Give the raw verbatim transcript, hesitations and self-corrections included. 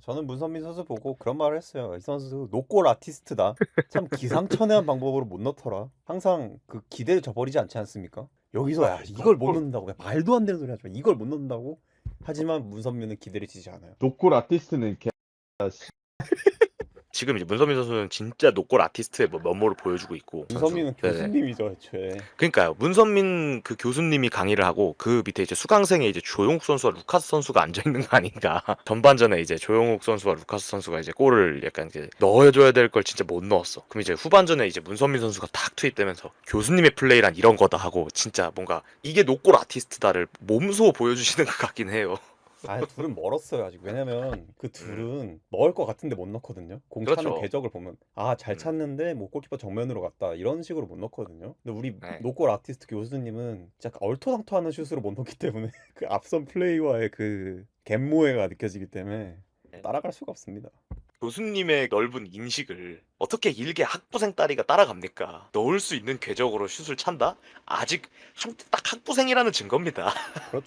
저는 문선민 선수 보고 그런 말을 했어요. 이 선수 노골 아티스트다. 참 기상천외한 방법으로 못 넣더라. 항상 그 기대를 저버리지 않지 않습니까? 여기서 야 아, 이걸 못 노골 넣는다고 야, 말도 안 되는 소리 하지 마. 이걸 못 넣는다고? 하지만 문선민은 기대를 지지 않아요. 노골 아티스트는 개. 지금 이제 문선민 선수는 진짜 노골 아티스트의 뭐 면모를 보여주고 있고 선수. 문선민은 네네. 교수님이죠, 애초에. 그러니까요. 문선민 그 교수님이 강의를 하고 그 밑에 이제 수강생에 이제 조용욱 선수와 루카스 선수가 앉아 있는 거 아닌가. 전반전에 이제 조용욱 선수와 루카스 선수가 이제 골을 약간 이제 넣어줘야 될 걸 진짜 못 넣었어. 그럼 이제 후반전에 이제 문선민 선수가 탁 투입되면서 교수님의 플레이란 이런 거다 하고 진짜 뭔가 이게 노골 아티스트다를 몸소 보여주시는 것 같긴 해요. 아, 둘은 멀었어요, 아직. 왜냐면 그 음, 둘은 넣을 것 같은데 못 넣거든요. 공 차는 그렇죠. 궤적을 보면 아, 잘 음, 찼는데 뭐 골키퍼 정면으로 갔다. 이런 식으로 못 넣거든요. 근데 우리 네. 노골 아티스트 교수님은 진짜 얼토당토하는 슛으로 못 넣기 때문에 그 앞선 플레이와의 그 갯모해가 느껴지기 때문에 네. 따라갈 수가 없습니다. 교수님의 넓은 인식을 어떻게 일개 학부생 딸이가 따라갑니까? 넣을 수 있는 궤적으로 슛을 찬다? 아직 한- 딱 학부생이라는 증거입니다. 그렇죠.